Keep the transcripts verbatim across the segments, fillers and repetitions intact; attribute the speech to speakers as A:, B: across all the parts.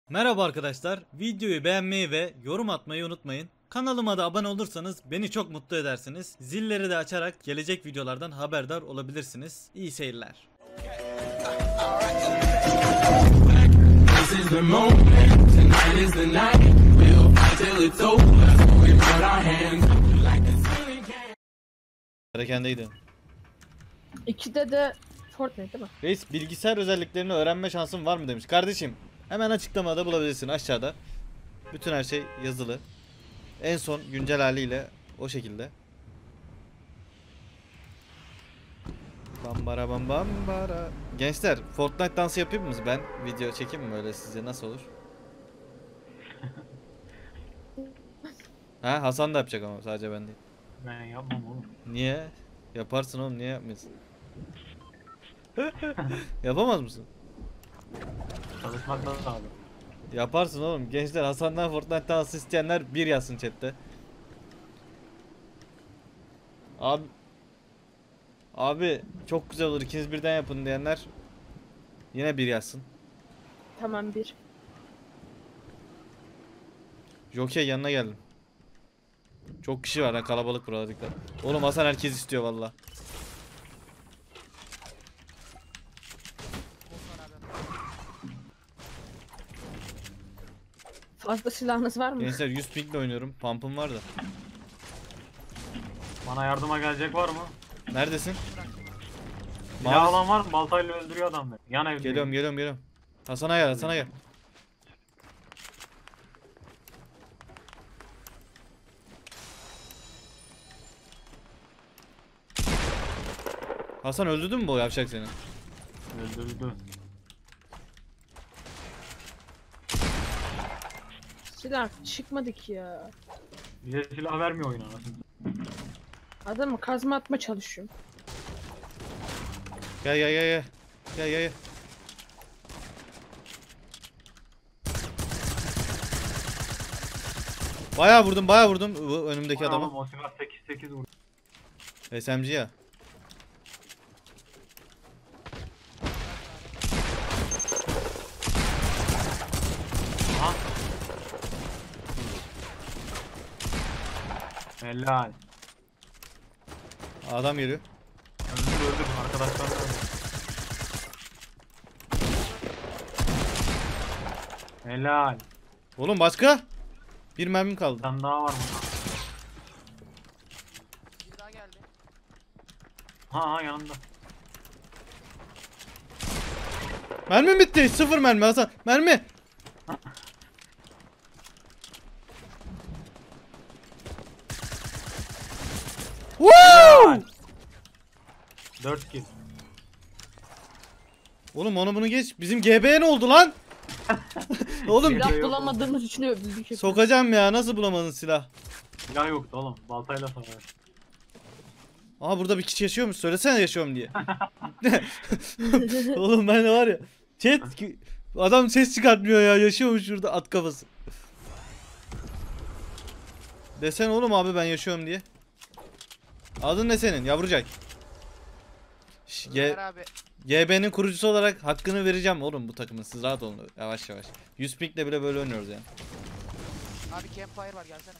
A: Merhaba arkadaşlar, videoyu beğenmeyi ve yorum atmayı unutmayın. Kanalıma da abone olursanız beni çok mutlu edersiniz. Zilleri de açarak gelecek videolardan haberdar olabilirsiniz. İyi seyirler. Erekendeydi.
B: İkide de Fortnite değil mi?
A: Reis, bilgisayar özelliklerini öğrenme şansın var mı demiş. Kardeşim, hemen açıklamada bulabilirsin aşağıda. Bütün her şey yazılı. En son güncel haliyle o şekilde. Bambara bam bambara. Gençler, Fortnite dansı yapayım mı ben? Video çekeyim mi öyle sizce, nasıl olur? Ha, Hasan da yapacak ama sadece ben değil.
C: Ben yapmam oğlum.
A: Niye? Yaparsın oğlum, niye yapmıyorsun? Yapamaz mısın?
C: Çalışmak da abi.
A: Yaparsın oğlum. Gençler, Hasan'dan Fortnite dansı isteyenler bir yazsın chatte. Abi Abi çok güzel olur, ikiniz birden yapın diyenler yine bir yazsın.
B: Tamam bir.
A: Jockey yanına geldim. Çok kişi var ha, kalabalık burada, dikkat. Oğlum Hasan herkes istiyor valla.
B: Fazla silahınız var mı?
A: Gençler, yüz pingle oynuyorum. Pump'ım var da.
C: Bana yardıma gelecek var mı?
A: Neredesin?
C: Silah
A: Mavi-
C: olan var mı? Baltayla öldürüyor adam beni. Yan evde.
A: Geliyorum geliyorum geliyorum. Hasan'a gel, Hasan'a gel. Hasan, öldürdün mü bu yavşak seni?
C: Öldürdü.
B: Silah çıkmadı ki ya.
C: Bize silah vermiyor oyun anasını.
B: Adamı kazma atma çalışıyorum.
A: Gel gel gel gel. Gel gel gel. Bayağı vurdum, bayağı vurdum bu önümdeki
C: Oğlum,
A: adama.
C: O silah sekiz sekiz vurdu.
A: S M G ya.
C: Aha. Helal.
A: Adam geliyor.
C: Öldür öldür. Arkadaşlar öldür. Helal.
A: Oğlum başka? Bir mermim
C: Bir
A: kaldı.
C: tane daha var burada.
D: Bir daha geldi.
C: Ha ha yanımda.
A: Mermim bitti. Sıfır mermi Hasan. Mermi. Woo!
C: dört kill.
A: Oğlum onu bunu geç. Bizim G B'ye ne oldu lan? Oğlum
C: Silah
B: Silah
C: yok.
B: bulamadığımız için öldürdük.
A: sokacağım ya. Nasıl bulamadın silah?
C: Silah yoktu oğlum. Baltayla savaş.
A: Aha, burada bir kişi yaşıyormuş. Söylesene yaşıyorum diye. Oğlum ben de var ya. Chat ki- adam ses çıkartmıyor ya. Yaşıyormuş şurada, at kafası. Desen oğlum abi, ben yaşıyorum diye. Adın ne senin yavrucak? Ş- G-
D: Ömer abi.
A: G B'nin kurucusu olarak hakkını vereceğim oğlum bu takımın. Siz rahat olun. Yavaş yavaş. yüz pink'le bile böyle oynuyoruz yani.
D: Abi campfire var, gelsene.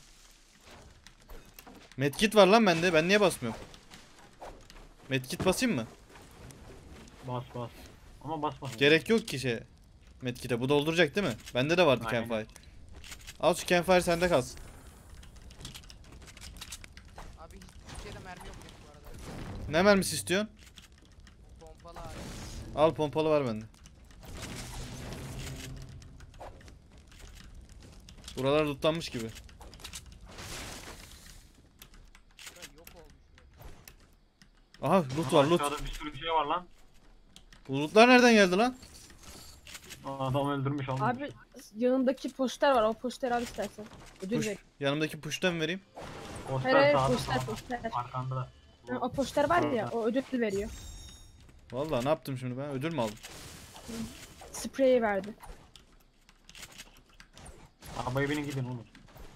A: Medkit var lan bende. Ben niye basmıyorum? Medkit basayım mı?
C: Bas bas. Ama basma.
A: Gerek yok ki şey. Medkit'e. Bu dolduracak değil mi? Bende de vardı
C: Aynen.
A: campfire. Al şu campfire, sende kalsın.
D: Abi hiçbir şeyde mermi yok benim bu arada.
A: Ne mermisi istiyorsun?
D: Pompalı abi.
A: Al, pompalı var bende. Buralar lootlanmış gibi.
D: Şurada yok olmuş.
A: Aha, loot var, loot.
C: Aşağıda bir sürü şey var lan.
A: Bu lootlar nereden geldi lan?
C: Adam öldürmüş almış.
B: Abi yanındaki poster var. O poster al istersen. Ödül
A: Push.
B: ver.
A: Yanımdaki push'tan mı vereyim?
C: Poster
B: Hayır hayır
C: sağda
B: poster
C: sağda.
B: poster.
C: Arkanda.
B: Ha, o poster var ya,
C: Orada.
B: o ödül veriyor.
A: Vallahi ne yaptım şimdi ben? Ödül mü aldım?
B: Spreyi verdi.
C: Arabaya binin gidin oğlum.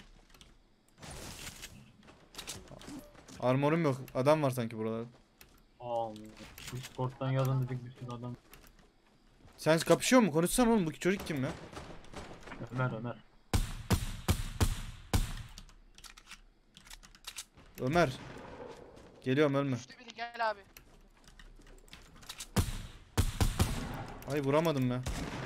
A: Armorum yok. Adam var sanki buralarda.
C: Aa, Discord'dan yazın dedik bir sürü adam.
A: Sen kapışıyor mu? Konuşsana oğlum, bu çocuk kim ya?
C: Ömer Ömer.
A: Ömer. Geliyorum, ölme.
D: Düştü biri, gel abi.
A: Ay vuramadım ya.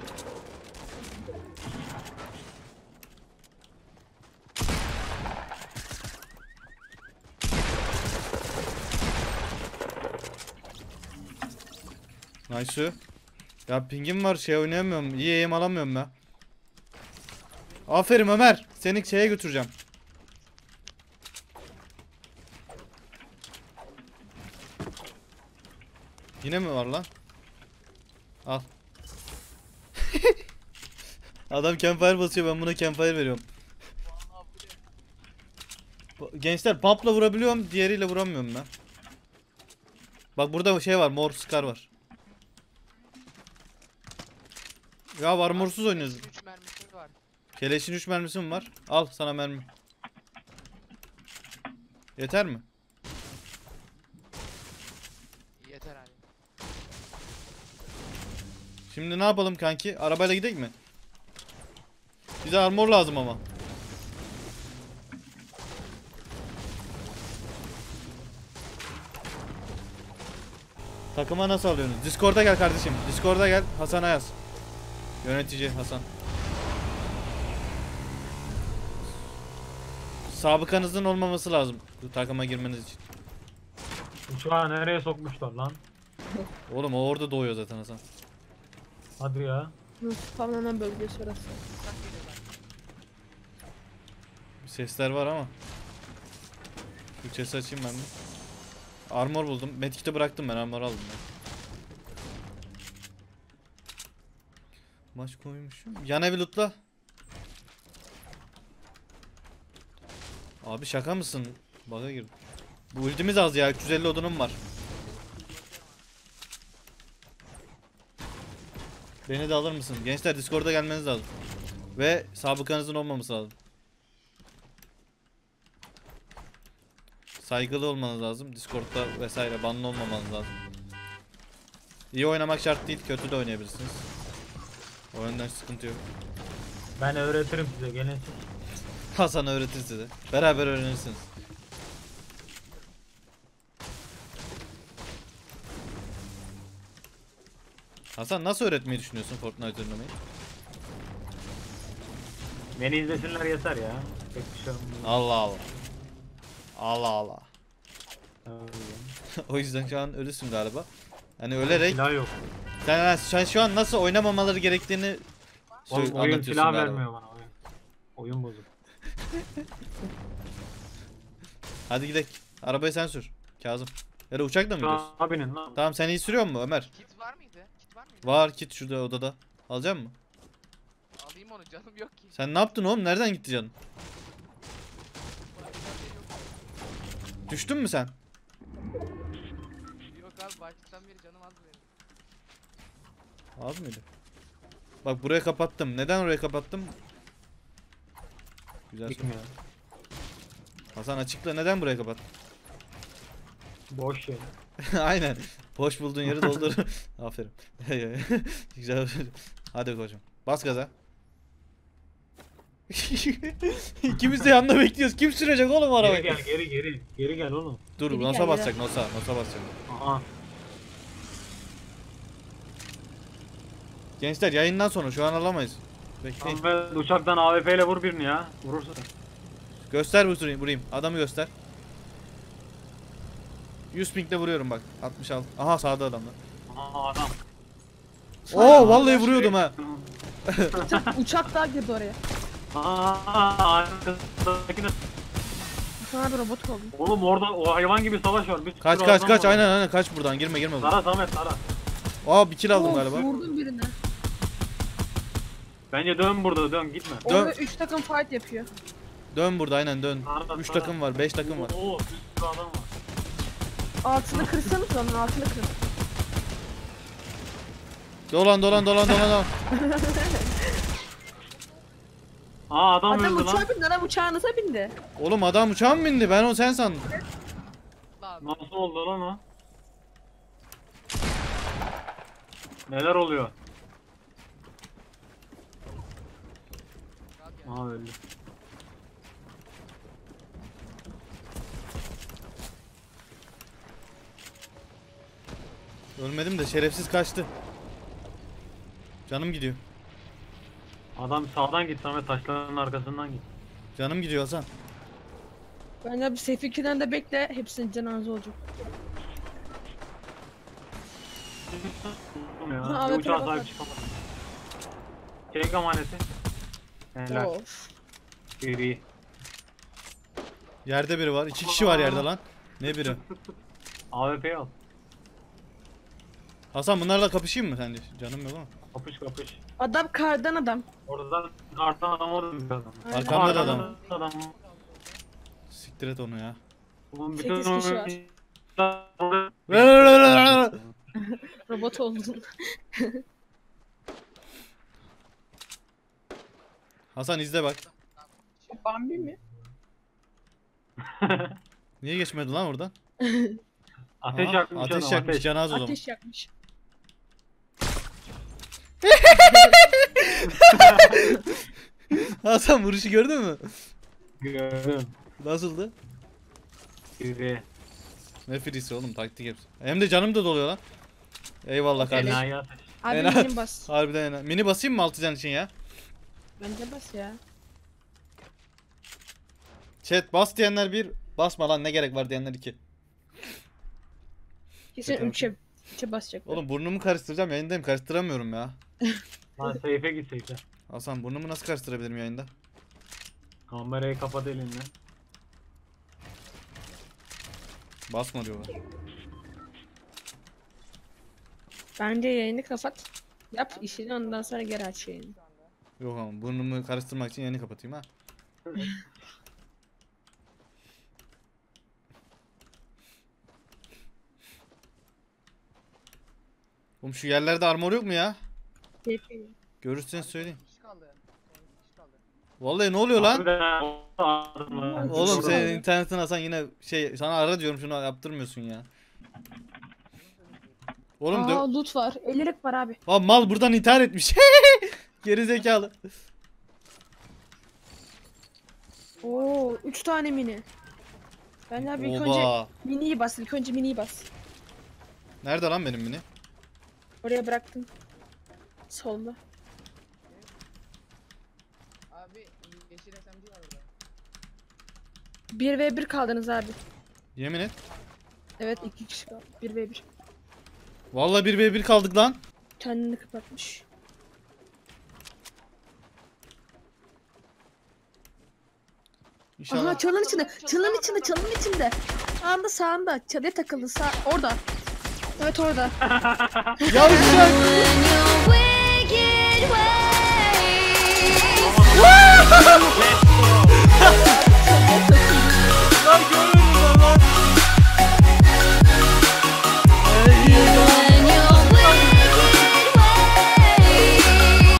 A: Nice. Ya pingim var, şey oynayamıyorum. İyi aim alamıyorum ya. Aferin Ömer. Seni şeye götüreceğim. Yine mi var lan? Al. Adam campfire basıyor, ben buna campfire veriyorum. Gençler pump'la vurabiliyorum, diğeriyle vuramıyorum ben. Bak burada şey var, mor scar var. Ya armorsuz oynuyoruz.
D: üç mermisi var.
A: Keleşin üç mermisi mi var? Al sana mermi. Yeter mi?
D: Yeter abi.
A: Şimdi ne yapalım kanki? Arabayla gidelim mi? Bize armor lazım ama. Takıma nasıl alıyorsunuz? Discord'a gel kardeşim. Discord'a gel. Hasan'a yaz. Yönetici Hasan. Sabıkanızın olmaması lazım bu takıma girmeniz için.
C: Uçağı nereye sokmuşlar lan?
A: Oğlum o orada doğuyor zaten Hasan.
C: Hadi ya.
B: Spamlanan bölgesi orası.
D: Uçak geliyorlar.
A: Sesler var ama. Şu chest'i açayım ben de. Armor buldum. Medkit'i bıraktım, ben armor aldım ben. Maç koymuşum. Yan evi lootla. Abi şaka mısın? Bug'a girdim. Bu ultimiz az ya. üç yüz elli odunum var. Beni de alır mısın? Gençler Discord'a gelmeniz lazım. Ve sabıkanızın olmaması lazım. Saygılı olmanız lazım. Discord'da vesaire banlı olmamanız lazım. İyi oynamak şart değil. Kötü de oynayabilirsiniz. O yönden sıkıntı yok.
C: Ben öğretirim size, gelin.
A: Hasan öğretir size. Beraber öğrenirsiniz. Hasan nasıl öğretmeyi düşünüyorsun Fortnite oynamayı?
C: Beni izlesinler yeter ya. Pek bir şey olmaz.
A: Allah Allah. Allah Allah.
C: Öyle.
A: O yüzden şu an ölüsün galiba. Hani ölerek
C: Silah yok.
A: sen, sen şu an nasıl oynamamaları gerektiğini
C: Oğlum,
A: sö-
C: oyun
A: anlatıyorsun
C: silah
A: galiba.
C: vermiyor bana oyun. Oyun bozuk.
A: Hadi gidelim. Arabayı sen sür. Kazım. Ya da uçakla mı
C: Şu
A: gidiyorsun?
C: abinin lan.
A: Tamam, sen iyi sürüyor musun Ömer?
D: Kit var mıydı? Kit var mıydı?
A: Var kit şurada odada. Alacak mısın?
D: Alayım onu, canım yok ki.
A: Sen ne yaptın oğlum? Nereden gitti canın? Düştün mü sen?
D: Yok abi, baştan beri canım az benim.
A: Az mıydı? Bak buraya kapattım. Neden oraya kapattım? Güzel soru.
C: Gitmiyor.
A: Hasan açıkla, neden buraya kapattın?
C: Boş şey.
A: Aynen. Boş bulduğun yeri doldur. Aferin. Güzel. Hadi koçum. Bas gaza. İkimiz de yanında bekliyoruz. Kim sürecek oğlum
C: Geri
A: arabayı?
C: gel, geri geri. Geri gel oğlum.
A: Dur,
B: Geri
A: nasıl
B: gel,
A: basacak? Nasıl? Nasıl basacak?
C: Aha.
A: Gençler yayından sonra şu an alamayız. Bekleyin.
C: Ahmet uçaktan A W P ile vur birini ya. Vurursun.
A: Göster vurayım, vurayım. Adamı göster. yüz pinkle vuruyorum bak. altmış altı. Aha sağda adamlar.
C: Aha adam.
A: Oo vallahi vuruyordum ha.
B: Uçak, uçak daha girdi oraya.
C: Aa, arkasındakine.
B: Sana bir robot oldu.
C: Oğlum orada o hayvan gibi savaş var. Bir sürü
A: Kaç kaç
C: adam
A: kaç,
C: var.
A: aynen aynen, kaç buradan, girme girme buradan.
C: Sara Samet Sara.
A: Aa bir kill aldım
B: Of,
A: galiba.
B: vurdum birine.
C: Bence dön burada dön gitme.
A: Dön.
B: Orada üç takım fight yapıyor.
A: Dön burada, aynen dön.
C: Sara,
A: üç
C: Sara.
A: takım var, beş takım var.
C: Oo bir sürü adam var.
B: Altını kırsanız onun altını kırın.
A: Dolan dolan dolan dolan dolan.
C: Aa adam,
B: Adam
C: öldü lan.
B: uçağa bindi, adam uçağınıza bindi.
A: Oğlum adam uçağa mı bindi? Ben o sen sandım.
D: Lan
C: Nasıl oldu lan o? Neler oluyor? Aa öldü.
A: Ölmedim de şerefsiz kaçtı. Canım gidiyor.
C: Adam sağdan git Samet, taşların arkasından git.
A: Canım gidiyor Hasan.
B: Bence bir safe iki'den de bekle. Hepsinin cenaze olacak.
C: Ya,
B: Ha,
C: bir
B: evet,
C: uçağa
B: evet,
C: sahip
B: evet.
C: çıkamadım. Çelik amaneti. Helal.
B: Of.
C: İyi.
A: Yerde biri var. İki kişi var yerde lan. Ne biri?
C: A W P'yi al.
A: Hasan bunlarla kapışayım mı sence? Canım yok ama.
C: Kapış kapış.
B: Adam kardan adam.
C: Oradan artan adam orada bir adam.
B: Aynen.
A: Arkamda da
C: Arkadan
A: adam.
C: adam.
A: Siktir et onu ya.
C: Oğlum
B: Sekiz kişi var. Robot oldun.
A: Hasan izle bak.
B: Bambi mi?
A: Niye geçmedi lan oradan?
C: Ateş
A: Aha,
C: yakmış
A: ateş
C: adam,
A: yakmış
C: ateş.
A: canaz o zaman.
B: Ateş yakmış.
A: Hasan vuruşu gördün mü?
C: Gördüm.
A: Nasıldı?
C: Yürü.
A: Ne frisi oğlum, taktik hepsi. Hem de canım da doluyor lan. Eyvallah kardeşim.
C: Enayi ateş.
B: Abi
A: Ena-
B: benim bas.
A: Harbiden ena. Mini basayım mı altı can için ya?
B: Bence bas ya.
A: Chat bas diyenler bir, basma lan ne gerek var diyenler iki.
B: Kesin
A: Yeter.
B: üçe. Üçe basacak.
A: Oğlum burnumu karıştıracağım, yayındayım, karıştıramıyorum ya.
C: Lan seyfe git seyfe.
A: Hasan burnumu nasıl karıştırabilirim yayında?
C: Kamerayı kapat elinle.
A: Basma diyorlar.
B: Bence yayını kapat. Yap işini, ondan sonra geri aç yayını.
A: Yok ama burnumu karıştırmak için yayını kapatayım ha. Oğlum şu yerlerde armor yok mu ya?
B: Keyifli.
A: Görürseniz söyleyin.
D: kişi kaldı. Son kişi kaldı.
A: Vallahi ne oluyor lan?
C: Harbiden adamlar.
A: Oğlum
B: Şurada.
A: senin internetin Hasan yine şey, sana ara diyorum şunu yaptırmıyorsun ya. Oğlum
B: Aa
A: dö-
B: loot var. ellilik var abi.
A: Aa, mal buradan intihar etmiş. Geri zekalı.
B: Oo üç tane mini. Ben abi ilk önce
A: Oba.
B: miniyi bas. İlk önce miniyi bas.
A: Nerede lan benim mini?
B: Oraya bıraktım. Solda.
D: Abi yeşil S M G var orada.
B: bir ve bir kaldınız abi.
A: Yemin et.
B: Evet iki kişi kaldı. bir ve bir.
A: Vallahi bir ve bir kaldık lan.
B: Kendini kapatmış.
A: İnşallah.
B: Aha çalın içinde. Çalın içinde. Çalın içinde. Sağında sağında. Çalıya takıldı. Sağ orada. Evet orada.
A: Yavşak.
E: When you're wicked, well